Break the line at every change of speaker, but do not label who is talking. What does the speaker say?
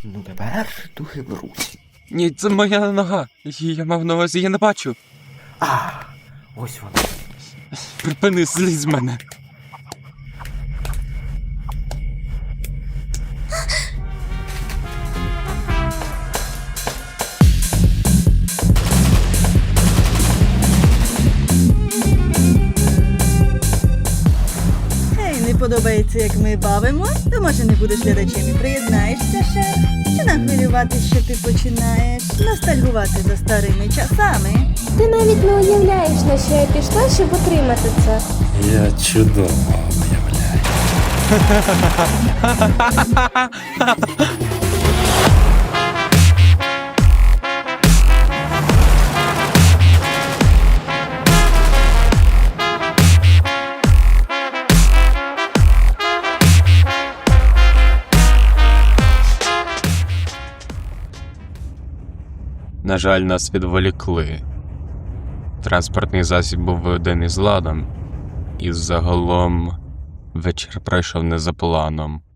Ну тепер духи беруть.
Ні, це моя нога. Я мав на увазі, я не бачу.
А, ось вона.
Припини, злізь з мене.
Не подобається, як ми бавимось, то може не будеш глядачем і приєднаєшся ще? Чи нахвилюватись, що ти починаєш ностальгувати за старими часами?
Ти навіть не уявляєш, на що я пішла, щоб отримати це.
Я чудово уявляю.
На жаль, нас відволікли. Транспортний засіб був виведений з ладом, і загалом вечір пройшов не за планом.